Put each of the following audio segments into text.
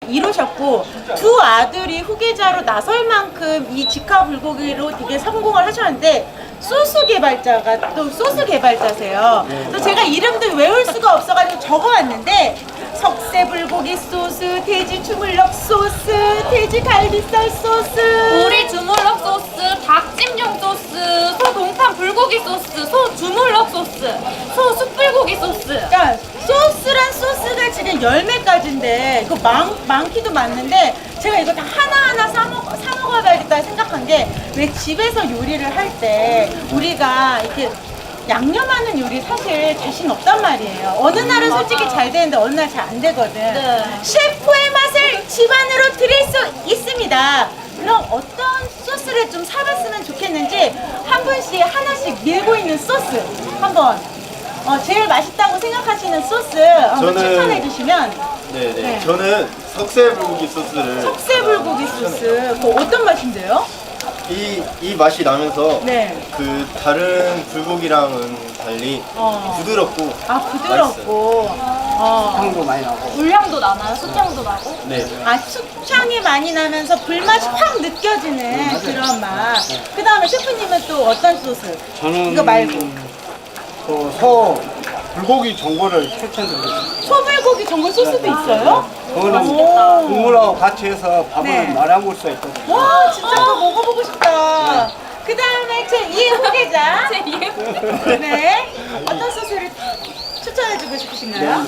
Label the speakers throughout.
Speaker 1: 이루셨고 두 아들이 후계자로 나설 만큼 이 직화 불고기로 되게 성공을 하셨는데 소스 개발자가 또 소스 개발자세요. 그래서 제가 이름도 외울 수가 없어가지고 적어왔는데 석쇠 불고기 소스, 돼지 주물럭 소스, 돼지 갈비살 소스,
Speaker 2: 오리 주물럭 소스, 닭찜용 소스, 소 동탄 불고기 소스, 소 주물럭 소스, 소 숯불고기 소스.
Speaker 1: 그러니까 소스란 소스가 지금 10매까지인데 이거 많기도 많는데 제가 이거 다 하나하나 사 먹어봐야겠다 생각한 게 왜 집에서 요리를 할 때 우리가 이렇게 양념하는 요리 사실 자신 없단 말이에요. 어느 날은 솔직히 잘 되는데 어느 날 잘 안 되거든.
Speaker 2: 네.
Speaker 1: 셰프의 맛을 집안으로 드릴 수 있습니다. 그럼 어떤 소스를 좀 사봤으면 좋겠는지 한 분씩 하나씩 밀고 있는 소스 한번 제일 맛있다고 생각하시는 소스 한번
Speaker 3: 저는-
Speaker 1: 추천해 주시면.
Speaker 3: 네네.
Speaker 1: 네.
Speaker 3: 저는 석쇠 불고기 소스를
Speaker 1: 석쇠 불고기 소스 그거 어떤 맛인데요?
Speaker 3: 이 맛이 나면서
Speaker 1: 네.
Speaker 3: 그 다른 불고기랑은 달리 부드럽고
Speaker 1: 아 부드럽고
Speaker 4: 향도 많이 나고.
Speaker 2: 물향도 나나요? 숯향도 나고?
Speaker 3: 네.
Speaker 1: 수창이 많이 나면서 불맛이 확 느껴지는 그런 맛. 그 다음에 셰프님은 또 어떤 소스?
Speaker 4: 저는
Speaker 1: 이거 말고
Speaker 4: 소 불고기 전골을 추천드립니다.
Speaker 1: 소불고기 전골 소스도 있어요?
Speaker 4: 그거는
Speaker 1: 오.
Speaker 4: 국물하고 같이 해서 밥을
Speaker 1: 네.
Speaker 4: 말아 먹을 수가 있거든요.
Speaker 1: 와 진짜 그거 먹어보고 싶다. 그 다음에 제2의 후계자. 네. 어떤 소스를 추천해주고 싶으신가요?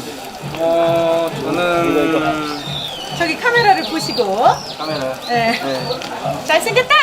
Speaker 5: 저는
Speaker 1: 저기 카메라를 보시고.
Speaker 5: 카메라.
Speaker 1: 네. 잘생겼다.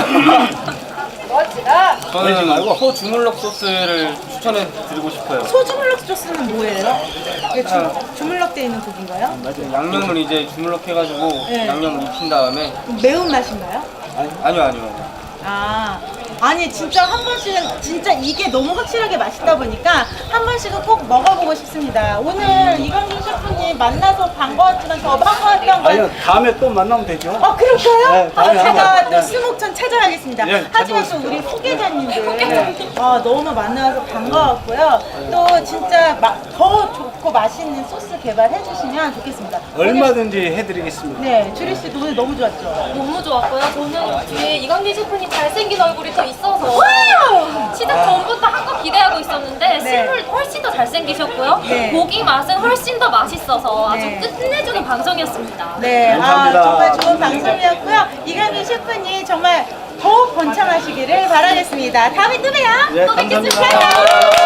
Speaker 5: 저는 말고 소 주물럭 소스를 추천해 드리고 싶어요.
Speaker 1: 소주물럭 소스는 뭐예요? 이게 주물럭 돼 있는 고기인가요?
Speaker 5: 양념을 이제 주물럭 해가지고
Speaker 1: 네.
Speaker 5: 양념을 입힌 다음에
Speaker 1: 매운 맛인가요?
Speaker 5: 아니요.
Speaker 1: 아니 진짜 한 번씩은 진짜 이게 너무 확실하게 맛있다 보니까 한 번씩은 꼭 먹어보고 싶습니다. 오늘 이광준 셰프님 만나서 반가웠지만 더 반가웠던 건
Speaker 4: 아니요, 다음에 또 만나면 되죠.
Speaker 1: 그럴까요?
Speaker 4: 네, 다음에
Speaker 1: 제가
Speaker 4: 한번,
Speaker 1: 또
Speaker 4: 네.
Speaker 1: 스목천 찾아가겠습니다.
Speaker 4: 네,
Speaker 1: 하지만 또
Speaker 4: 찾아오십시오.
Speaker 1: 우리 후계자님들 너무 만나서 반가웠고요. 또 진짜 더 좋고 맛있는 소스 개발해 주시면 좋겠습니다.
Speaker 4: 얼마든지 해드리겠습니다.
Speaker 1: 네, 주리 씨도 오늘 너무 좋았죠?
Speaker 2: 너무 좋았고요. 저는 뒤에 이광진 셰프님 잘생긴 얼굴이 더 있어서
Speaker 1: 와우!
Speaker 2: 시작 전부터 한 거 기대하고 있었는데
Speaker 1: 네.
Speaker 2: 실물 훨씬 더 잘생기셨고요.
Speaker 1: 네.
Speaker 2: 고기 맛은 훨씬 더 맛있어서 아주
Speaker 1: 네.
Speaker 2: 끝내주는 방송이었습니다.
Speaker 1: 네,
Speaker 4: 감사합니다.
Speaker 1: 정말 좋은 방송이었고요. 이강민 셰프님 정말 더욱 번창하시기를 바라겠습니다. 다음에 또 봬요.
Speaker 4: 네,
Speaker 1: 또 뵙겠습니다.
Speaker 4: 감사합니다.